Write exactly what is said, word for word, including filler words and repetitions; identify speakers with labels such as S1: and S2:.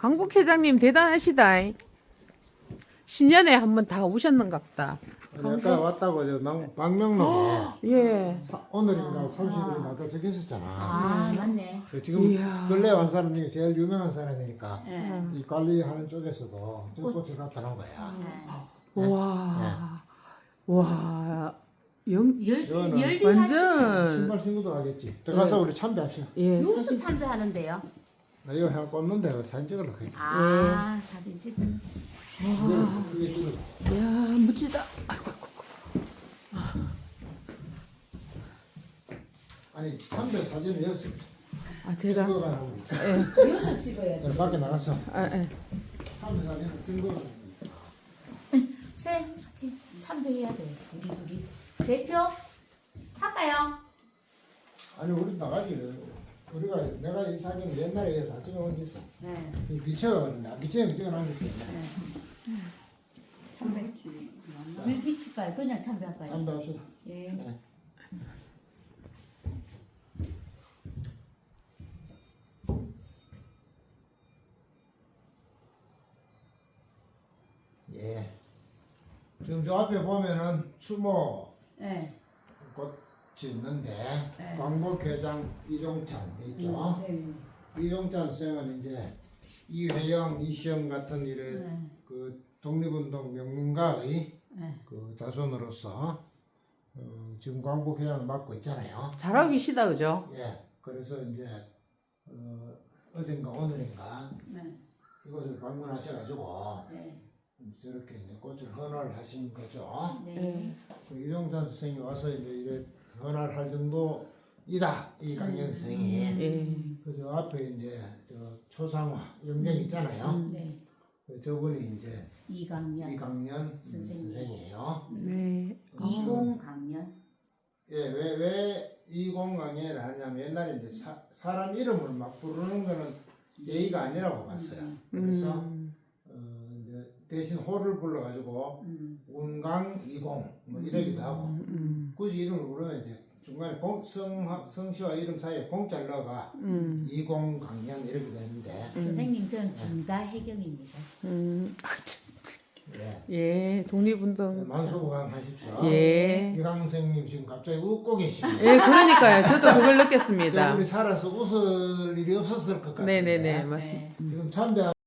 S1: 강북 회장님 대단하시다. 신년에 한번 다 오셨는가 보다.
S2: 아까 왔다고 저 방- 방명록에
S1: 예.
S2: 사- 오늘인가 삼십 일인가 아까 적혀 있었잖아.
S3: 아, 맞네.
S2: 그 지금
S1: 이야.
S2: 근래 온 사람 중에 제일 유명한 사람이니까
S3: 예.
S2: 이 관리하는 쪽에서도 저 꽃을 갖다 놓은 거야.
S3: 예.
S1: 와. 와. 영,
S3: 열,
S2: 이거는
S3: 열리
S1: 완전.
S2: 신발 신고도 하겠지. 들어가서 우리 참배합시다.
S1: 예.
S3: 누수
S1: 사진.
S3: 참배하는데요?
S2: 나 이거 그냥 꽂는데 사진 찍으려고 해.
S3: 아, 사진 찍.
S2: 이게 이게 찍어.
S1: 야, 멋지다. 아이고, 아이고.
S2: 아니 참배 사진을 여기서
S1: 아, 제가.
S2: 찍어가는 거니까.
S1: 예.
S3: 여기서 찍어야지.
S2: 밖에 나가서
S1: 아, 예.
S2: 참배 사진을 찍어가는 거니까.
S3: 쌤, 같이 참배해야 돼. 우리 둘이. 대표? 할까요?
S2: 아니 우리 나가지. 우리가 내가 이 사진을 옛날에 해서 찍어온 게 있어.
S3: 네.
S2: 미쳐가거든요. 미쳐서 찍어놓은 게 있어.
S3: 참배. 왜 미칠까요? 그냥 참배할까요?
S2: 참배합시다.
S3: 예.
S2: 네. 예. 지금 저 앞에 보면은 추모
S3: 예.
S2: 꽃이 있는데
S3: 네.
S2: 광복회장 이종찬 있죠.
S3: 네.
S2: 이종찬 쌤은 이제 이회영, 이시영 같은 이래
S3: 네.
S2: 그 독립운동 명문가의
S3: 네.
S2: 그 자손으로서 어, 지금 광복회장을 맡고 있잖아요.
S1: 잘하고 계시다, 그죠?
S2: 예. 그래서 이제 어, 어젠가 오늘인가
S3: 네.
S2: 이곳을 방문하셔가지고
S3: 네.
S2: 저렇게 이제 꽃을 헌화하신 거죠.
S3: 네.
S2: 그 이종찬 선생이 와서 이제 이래 헌화할 정도이다 이 강연 선생이.
S1: 예.
S2: 그래서 앞에 이제 저 초상화 영정 있잖아요.
S3: 네.
S2: 그 저분이 이제
S3: 이강년.
S2: 이강년
S3: 선생님.
S2: 선생이에요.
S1: 네.
S3: 이공강년.
S2: 예, 왜, 왜 이공강연을 하냐면 옛날에 이제 사, 사람 이름을 막 부르는 거는 예의가 아니라고 봤어요. 그래서
S1: 음.
S2: 어, 이제 대신 호를 불러가지고
S3: 음.
S2: 운강 이공 뭐 이러기도 하고
S1: 음.
S2: 굳이 이름을 부르면 이제 중간에 공, 성, 성씨와 이름 사이에 공짜를 넣어가
S1: 음.
S2: 이공강연 이러기도 했는데
S3: 선생님, 전 김다혜경입니다.
S1: 음. 아, 참.
S2: 예.
S1: 예, 독립운동.
S2: 만수무강하십시오.
S1: 예.
S2: 이강 선생님 지금 갑자기 웃고 계시네요.
S1: 예, 그러니까요. 저도 그걸 느꼈습니다.
S2: 우리 살아서 웃을 일이 없었을 것 같은데
S1: 네네네, 맞습니다.
S3: 네.
S2: 지금 참배